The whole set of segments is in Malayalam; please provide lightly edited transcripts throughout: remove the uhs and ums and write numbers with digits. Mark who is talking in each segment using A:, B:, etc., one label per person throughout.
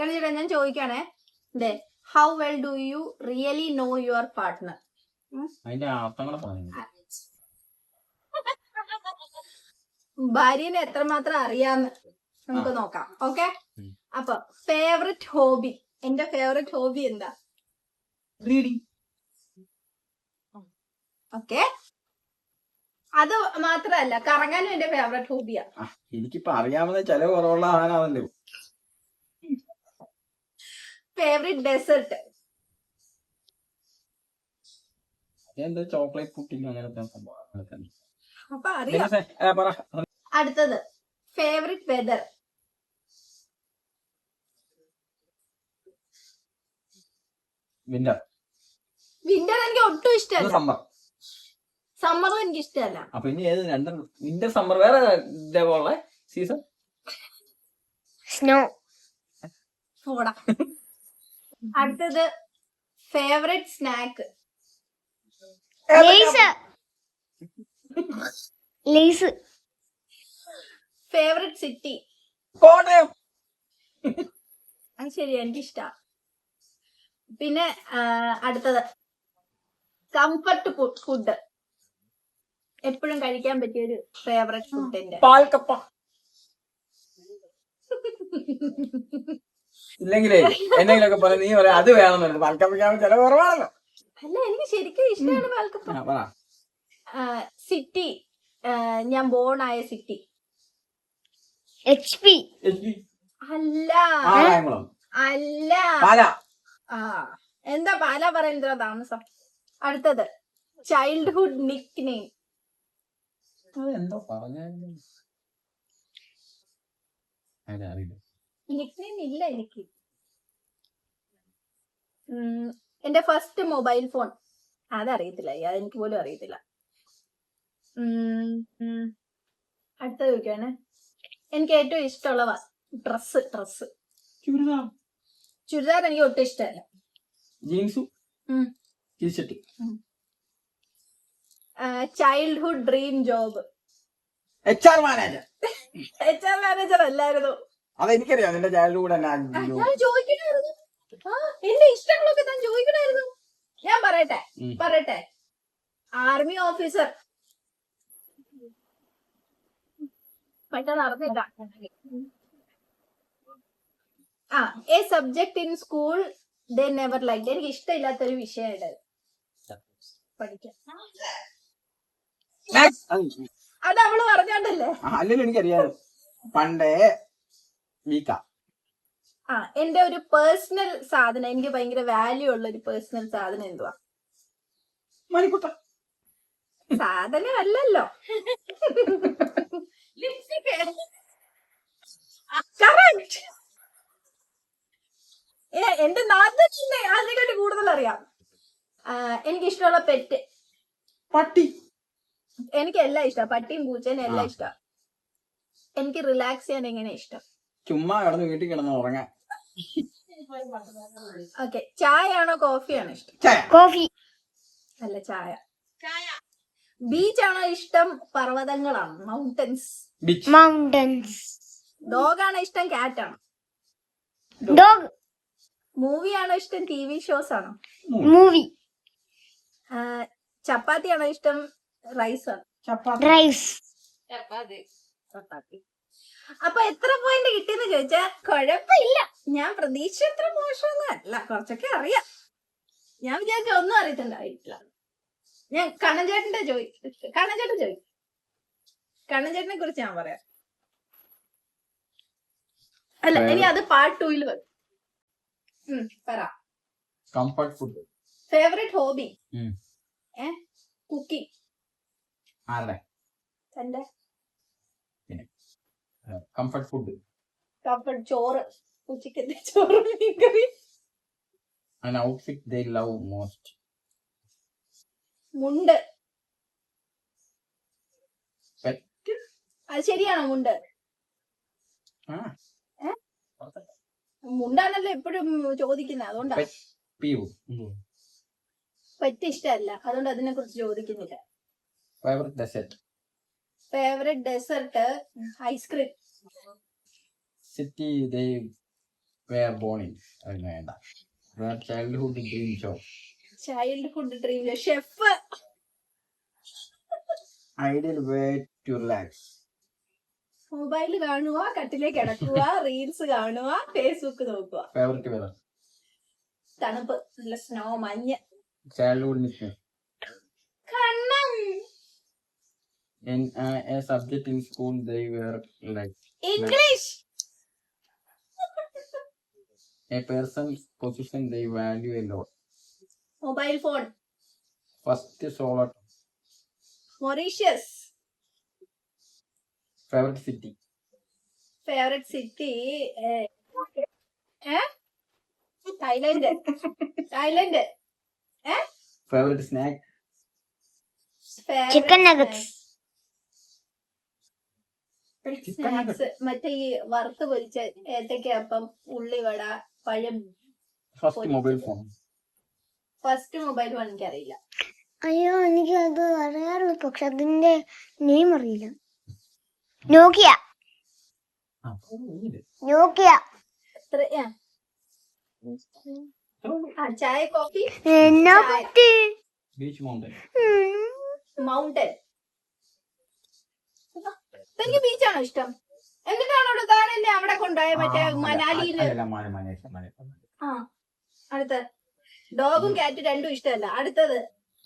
A: ചേട്ടാ ഞാൻ ചോദിക്കാണേ, how well do you really know your partner?
B: അതിന്റെ അർത്ഥം കൂടെ പറഞ്ഞു.
A: ഭാര്യനെ എത്രമാത്രം അറിയാന്ന് നമുക്ക് നോക്കാം. ഓക്കെ, അപ്പൊ ഫേവറേറ്റ് ഹോബി. എന്റെ ഫേവറേറ്റ് ഹോബി എന്താ?
B: റീഡിങ്.
A: ഓക്കെ, അത് മാത്രല്ല, കറങ്ങാനും എന്റെ ഫേവറേറ്റ് ഹോബിയാ.
B: എനിക്കിപ്പോ അറിയാവുന്ന ചില കുറവുള്ള ആണല്ലോ.
A: Favourite dessert.
B: എന്താ ചോക്ലേറ്റ് പുഡിംഗ് അങ്ങനത്തെ സംഭവം.
A: അപ്പൊ അറിയാം. അടുത്തത് ഫേവറേറ്റ് വെതർ.
B: വിന്റർ.
A: വിന്റർ എനിക്ക് ഒട്ടും ഇഷ്ടമല്ല.
B: സമ്മർ.
A: സമ്മറും എനിക്ക് ഇഷ്ടമല്ല.
B: അപ്പൊ ഇനി ഏത് രണ്ടും? വിന്റർ, സമ്മർ, വേറെ ഇതേപോലെ സീസൺ?
A: സ്നോ. അടുത്തത് favourite snack.
C: Lay's.
A: Favourite city.
B: Kottayam.
A: അത് ശരിയാ, എനിക്കിഷ്ടാ. പിന്നെ അടുത്തത് കംഫർട്ട് ഫുഡ്. എപ്പോഴും കഴിക്കാൻ പറ്റിയ ഒരു ഫേവറേറ്റ് ഫുഡ് എന്റെ
B: പാൽക്കപ്പ. ഇല്ലെങ്കിലേ എന്തെങ്കിലുമൊക്കെ പറയാം, നീ പറയാം അത് വേണമെന്നുണ്ട്. പാൽക്കപ്പയ്ക്കാവുമ്പോൾ ചില കുറവാണല്ലോ.
A: അല്ല, എനിക്ക് ശരിക്കും ഇഷ്ടമാണ് പാൽക്കപ്പ. സിറ്റി, ഞാൻ ബോൺ ആയ സിറ്റി.
C: HP.
A: അല്ല അല്ല, എന്താ പാലാ പറയുന്ന താമസം. അടുത്തത് ചൈൽഡ്ഹുഡ് നിക്ക് നെയിം.
B: അതെന്തോ പറഞ്ഞ
A: നിക്ക് നെയിം ഇല്ല എനിക്ക്. എന്റെ ഫസ്റ്റ് മൊബൈൽ ഫോൺ, അതറിയത്തില്ല. അതെനിക്ക് പോലും അറിയത്തില്ല. അടുത്തത് ചോദിക്കാണ്, എനിക്ക് ഏറ്റവും ഇഷ്ടമുള്ള ഡ്രസ്. ചുരിദാർ എനിക്ക് ഒട്ടും ഇഷ്ടമല്ല.
B: ജീൻസും t shirt.
A: Childhood dream job.
B: HR manager.
A: HR manager അല്ലായിരുന്നു.
B: അതെനിക്കറിയാം. നിന്റെ ചൈൽഡ്ഹുഡ് തന്നെ.
A: ഞാൻ ചോദിക്കണായിരുന്നു, എന്റെ ഇഷ്ടങ്ങളൊക്കെ ഞാൻ ചോദിക്കണായിരുന്നു. ഞാൻ പറയട്ടെ. Army officer. പെട്ടെന്ന് നടന്നില്ല. A subject in school they never like. എനിക്ക് ഇഷ്ടമില്ലാത്തൊരു വിഷയമായിട്ട് പഠിക്കാൻ. അത് അവള് പറഞ്ഞോണ്ടല്ലേ.
B: അല്ലെങ്കിൽ എനിക്കറിയാം പണ്ടേ വീക്ക.
A: എന്റെ ഒരു പേഴ്സണൽ സാധനം, എനിക്ക് ഭയങ്കര വാല്യൂ ഉള്ള ഒരു പേഴ്സണൽ സാധനം എന്തുവാ?
B: മണിക്കുട്ട.
A: സാധനമല്ലല്ലോ. എന്റെ നാട്ടിൽ അതിനെക്കാട്ടി കൂടുതൽ അറിയാം. എനിക്ക് ഇഷ്ടമുള്ള പെറ്റ്
B: പട്ടി.
A: എനിക്ക് എല്ലാം ഇഷ്ടം. പട്ടിയും പൂച്ചേനും എല്ലാം ഇഷ്ടം. എനിക്ക് റിലാക്സ് ചെയ്യാൻ എങ്ങനെ ഇഷ്ടം?
B: ചുമ്മാ കിടന്ന് വീട്ടിൽ കിടന്ന് ഉറങ്ങാൻ.
A: ഓക്കെ, ചായ ആണോ കോഫിയാണോ ഇഷ്ടം?
C: കോഫി.
A: അല്ല, ചായ. ബീച്ച് ആണോ ഇഷ്ടം പർവ്വതങ്ങളാണോ?
C: മൗണ്ടൻസ്.
A: ഡോഗ് ആണോ ഇഷ്ടം ക്യാറ്റ് ആണോ?
C: ഡോഗ്.
A: മൂവി ആണോ ഇഷ്ടം TV ഷോസ് ആണോ?
C: മൂവി.
A: ചപ്പാത്തി ആണോ ഇഷ്ടം റൈസ് ആണോ?
C: റൈസ്.
A: ചപ്പാത്തി. അപ്പൊ എത്ര പോയിന്റ് കിട്ടിയെന്ന് ചോദിച്ചാ കുഴപ്പമില്ല. ഞാൻ പ്രതീക്ഷ എത്ര മോശമൊന്നും അല്ല, കുറച്ചൊക്കെ അറിയാം. ഞാൻ വിചാരിച്ച ഒന്നും അറിയത്തുണ്ടായിട്ടില്ല. ഞാൻ കണ്ണൻചേട്ടൻ ചോദിക്കും. കണ്ണൻചേട്ടനെ കുറിച്ച് ഞാൻ പറയാം. അല്ല, ഇനി അത് പാർട്ട് 2 വരും. പറ.
B: Comfort food.
A: Favourite hobby? Cooking.
B: ആരുടെ?
A: തന്റെ.
B: Comfort food.
A: കംഫർട്ട് ചോറ്. ഉച്ചക്കത്തെ ചോറ്, മീൻകറി.
B: An outfit they love most.
A: മുണ്ട്. അത് ശരിയാണോ മുണ്ട്? മുണ്ടാണല്ലോ എപ്പോഴും ചോദിക്കുന്നത്, അതുകൊണ്ടാ. പെറ്റ് ഇഷ്ടമല്ല, അതുകൊണ്ട് അതിനെ കുറിച്ച് ചോദിക്കുന്നില്ല. Favourite dessert ice cream.
B: City they were born in. അതിന് വേണ്ട. Where childhood dream job.
A: Childhood dream chef.
B: Ideal way to relax.
A: Mobile കാണുക, കട്ടിലേക്ക് കിടക്കുക, റീൽസ് കാണുക, ഫേസ്ബുക്ക് നോക്കുക.
B: Favorite weather.
A: തണുപ്പ്, നല്ല സ്നോ, മഞ്ഞ്.
B: Childhood nickname.
A: കണ്ണം.
B: In a subject in school they were like.
A: English.
B: A person's position they value a lot.
A: Mobile phone.
B: First solo.
A: Mauritius.
B: Favorite city.
A: Favourite city Thailand. Thailand.
B: Favorite snack.
C: Chicken nuggets.
A: Snacks മറ്റേ ഈ വറുത്ത് പൊരിച്ച ഏത്തക്കപ്പം, ഉള്ളിവട, പഴം.
B: First mobile phone.
A: First mobile phone എനിക്കറിയില്ല.
C: അയ്യോ എനിക്ക് അത് അറിയാറുള്ളൂ, പക്ഷെ അതിന്റെ നെയിം അറിയില്ല. നോക്കിയ. നോക്കിയ.
A: എത്ര ചായ, കോഫി,
C: എന്നാ പറ്റി?
B: Beach mountain.
A: മൗണ്ടൻ. എനിക്ക് ബീച്ചാണോ ഇഷ്ടം? എന്നിട്ടാണോ താൻ എന്നെ അവിടെ കൊണ്ടുപോയ മറ്റേ മനാലിയില്? ആ, അടുത്ത ഡോഗും ക്യാറ്റ് രണ്ടും ഇഷ്ടമല്ല. അടുത്തത്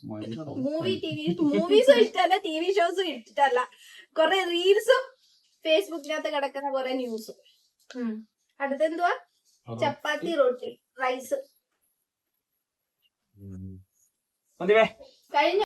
A: മൂവീസും ഇഷ്ടമല്ല, TV ഷോസും ഇഷ്ടമല്ല, കൊറേ റീൽസും ഫേസ്ബുക്കിനകത്ത് കിടക്കുന്ന കൊറേ ന്യൂസും. അടുത്തെന്തുവാ? ചപ്പാത്തി, റൊട്ടി, റൈസ്. കഴിഞ്ഞ